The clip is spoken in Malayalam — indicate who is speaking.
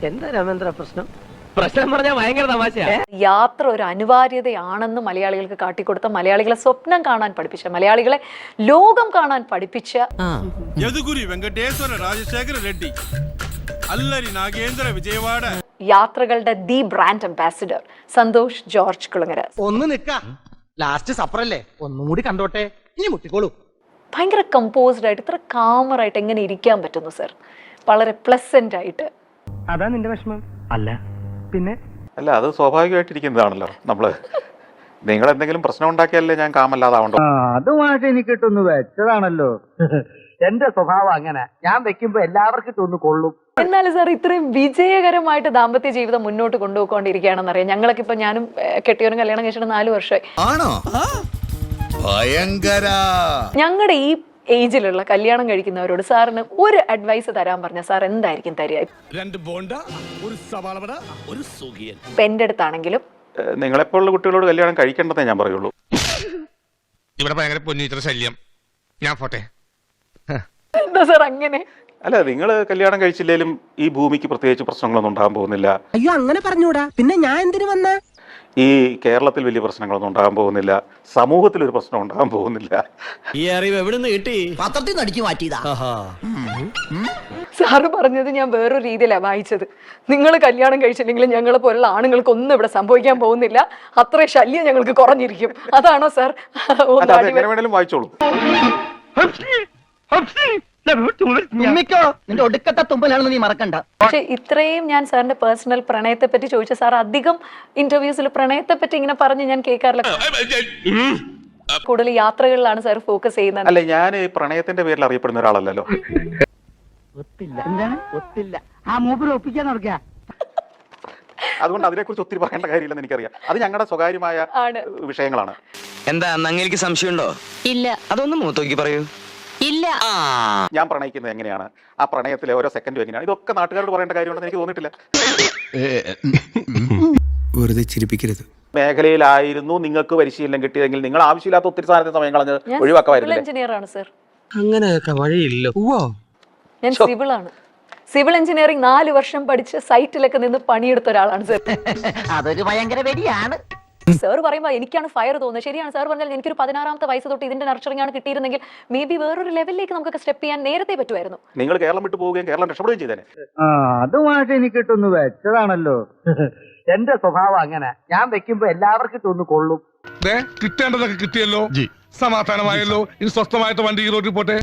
Speaker 1: എന്താ രാമേന്ദ്ര പ്രശ്നം? പ്രശ്നം പറഞ്ഞാൽ ഭയങ്കര തമാശയാ.
Speaker 2: യാത്ര ഒരു അനിവാര്യതയാണെന്ന് മലയാളികൾക്ക് കാട്ടിക്കൊടുത്ത, മലയാളികളെ സ്വപ്നം കാണാൻ പഠിപ്പിച്ച, മലയാളികളെ ലോകം കാണാൻ പഠിപ്പിച്ച
Speaker 3: യദുഗുരി വെങ്കടേശ്വര രാജശേഖര റെഡ്ഡി അല്ലരി നാഗേന്ദ്ര വിജയവാഡ
Speaker 2: യാത്രകളുടെ the brand ambassador Santhosh George Kulangara.
Speaker 1: ഒന്ന് നിക്ക, ലാസ്റ്റ് സപ്പറല്ലേ, ഒന്നും കൂടി കണ്ടോട്ടെ, ഇനി മുട്ടിക്കോളൂ.
Speaker 2: ഭയങ്കര കമ്പോസ്ഡ് ആയിട്ട്, ഇത്ര കാമറായിട്ട് എങ്ങനെ ഇരിക്കാൻ പറ്റുന്നു സർ? വളരെ പ്ലസന്റ് ആയിട്ട്.
Speaker 1: അതാ നിന്റെ വിഷമം? അല്ല പിന്നെ
Speaker 4: അല്ല, അത് സ്വാഭാവികമായിട്ടിരിക്കുന്നതാണല്ലോ. നിങ്ങൾ എന്തെങ്കിലും പ്രശ്നം ഉണ്ടാക്കിയാലേ ഞാൻ കാമല്ലാതാവണ്ടോ?
Speaker 1: അതുമായിട്ട് എനിക്ക് ഇട്ടൊന്ന് വെച്ചതാണല്ലോ. എന്റെ സ്വഭാവം അങ്ങനെ, ഞാൻ വെക്കുമ്പോ എല്ലാവർക്കും ഇട്ടൊന്ന് കൊള്ളും.
Speaker 2: എന്നാലും സാർ ഇത്രയും വിജയകരമായിട്ട് ദാമ്പത്യ ജീവിതം മുന്നോട്ട് കൊണ്ടുപോയിക്കൊണ്ടിരിക്കുകയാണെന്നറിയാം. ഞങ്ങളൊക്കെ ഇപ്പൊ, ഞാനും കെട്ടിയവനും കല്യാണം കഴിച്ചിട്ട് 4 വർഷമായി. ഞങ്ങളുടെ ഈ ഏജിലുള്ള കല്യാണം കഴിക്കുന്നവരോട് സാറിന് ഒരു അഡ്വൈസ് തരാൻ പറഞ്ഞ സാർ എന്തായിരിക്കും തരിക? ഇപ്പൊ എന്റെ അടുത്താണെങ്കിലും
Speaker 4: നിങ്ങളെപ്പോലുള്ള കുട്ടികളോട് കല്യാണം കഴിക്കേണ്ടതേ ഞാൻ പറയുള്ളൂ.
Speaker 3: ഇവിടെ ഭയങ്കര പൊന്നിച്ചിട്ട് ശല്യം. ഞാൻ പോട്ടെ.
Speaker 2: എന്താ സാർ അങ്ങനെ?
Speaker 4: അല്ല, നിങ്ങൾ കല്യാണം കഴിച്ചില്ലേലും ഈ ഭൂമിക്ക് പ്രത്യേകിച്ച് പ്രശ്നങ്ങളൊന്നും ഉണ്ടാകാൻ പോകുന്നില്ല.
Speaker 1: അയ്യോ, അങ്ങനെ പറഞ്ഞൂടാ. പിന്നെ ഞാൻ എന്തിനു വന്ന?
Speaker 4: ഈ കേരളത്തിൽ വലിയ പ്രശ്നങ്ങളൊന്നും ഉണ്ടാകാൻ പോകുന്നില്ല. സമൂഹത്തിൽ ഒരു പ്രശ്നം ഉണ്ടാകാൻ പോകുന്നില്ല.
Speaker 5: ഈ അറിവ് എവിടെ നിന്ന് കിട്ടി?
Speaker 1: പത്രത്തിൽ നടിച്ചു മാറ്റിയതാ.
Speaker 2: സാറ് പറഞ്ഞത് ഞാൻ വേറൊരു രീതിയിലാണ് വായിച്ചത്. നിങ്ങൾ കല്യാണം കഴിച്ചില്ലെങ്കിലും ഞങ്ങളെ പോലുള്ള ആണുങ്ങൾക്ക് ഒന്നും ഇവിടെ സംഭവിക്കാൻ പോകുന്നില്ല, അത്ര ശല്യം ഞങ്ങൾക്ക് കുറഞ്ഞിരിക്കും. അതാണോ സാർ?
Speaker 4: എങ്ങനെ വേണേലും വായിച്ചോളൂ.
Speaker 1: നിന്റെ ഒടുക്കത്തെ തുമ്പലാണെന്ന് നീ മറക്കണ്ട.
Speaker 2: പക്ഷെ ഇത്രയും ഞാൻ സാറിന്റെ പേഴ്സണൽ പ്രണയത്തെ പറ്റി ചോദിച്ച സാർ അധികം ഇന്റർവ്യൂസിൽ പ്രണയത്തെ പറ്റി ഇങ്ങനെ പറഞ്ഞ് ഞാൻ കേൾക്കാറില്ല. കൂടുതൽ യാത്രകളിലാണ് സാർ ഫോക്കസ് ചെയ്യുന്നത്.
Speaker 4: അല്ല, ഞാൻ പ്രണയത്തിന്റെ പേരിൽ അറിയപ്പെടുന്ന ഒരാളല്ലല്ലോ.
Speaker 1: ഒത്തില്ല ആ മൂപ്പര് ഒപ്പിക്കാൻ നടക്കുക.
Speaker 4: അതുകൊണ്ട് അതിനെക്കുറിച്ച് ഒത്തിരി പറയേണ്ട കാര്യമില്ലെന്ന് എനിക്കറിയാം. അത് ഞങ്ങളുടെ സ്വകാര്യമായ വിഷയങ്ങളാണ്.
Speaker 5: എന്താ അങ്ങേക്ക് സംശയമുണ്ടോ?
Speaker 6: ഇല്ല.
Speaker 5: അതൊന്നും മൂത്തോക്കി പറയൂ.
Speaker 6: ഇല്ല.
Speaker 4: ഞാൻ പ്രണയിക്കുന്നത് എങ്ങനെയാണ്, ആ പ്രണയത്തിലെ ഓരോ സെക്കൻഡും എങ്ങനെയാണ്, ഇതൊക്കെ നാട്ടുകാരോട് പറയേണ്ട കാര്യമുണ്ടെന്ന് എനിക്ക് തോന്നിയിട്ടില്ല.
Speaker 7: വെറുതെ ചിരിപ്പിക്കരുത്.
Speaker 4: മേഖലയിലായിരുന്നു നിങ്ങൾക്ക് പരിശീലനം കിട്ടിയതെങ്കിൽ നിങ്ങൾ ആവശ്യമില്ലാത്ത ഒത്തിരി സാധനത്തിന് സമയം കളഞ്ഞ് ഒഴിവാക്കാമായിരുന്നു.
Speaker 2: എഞ്ചിനീയർ ആണ് സർ.
Speaker 7: അങ്ങനെയൊക്കെ വഴിയില്ല.
Speaker 2: ഞാൻ സിവിൾ ആണ്. സിവിൽ എഞ്ചിനീയറിംഗ് 4 വർഷം പഠിച്ച് സൈറ്റിലൊക്കെ നിന്ന് പണിയെടുത്ത ഒരാളാണ് സർ.
Speaker 1: അതൊരു ഭയങ്കര വെടിയാണ്.
Speaker 2: സാർ പറയുമ്പോൾ എനിക്കാണ് ഫയർ തോന്നുന്നത്. ശരിയാണ് സാർ പറഞ്ഞാൽ, എനിക്കൊരു 16ാമത്തെ വയസ്സ് തൊട്ട് ഇതിന്റെ നർച്ചറിംഗ് ആണ് കിട്ടിയിരുന്നെങ്കിൽ മേ ബി വേറൊരു ലെവലിലേക്ക് നമുക്കൊക്കെ സ്റ്റെപ്പ് ചെയ്യാൻ നേരത്തെ പറ്റുമായിരുന്നു.
Speaker 4: നിങ്ങൾ കേരളം വിട്ടു പോവുകയും കേരളം രക്ഷപ്പെടുകയും ചെയ്തേനെ.
Speaker 1: അതുമായിട്ട് എനിക്ക് ഇട്ടൊന്ന് വെച്ചതാണല്ലോ. എന്റെ സ്വഭാവം അങ്ങനെ, ഞാൻ വെക്കുമ്പോ എല്ലാവർക്കും ഇട്ടൊന്ന് കൊള്ളും.
Speaker 3: കിട്ടേണ്ടതൊക്കെ കിട്ടിയല്ലോ, സമാധാനമായല്ലോ. ഇനി സ്വസ്ഥമായിട്ട് വണ്ടി റോഡിൽ പോട്ടെ.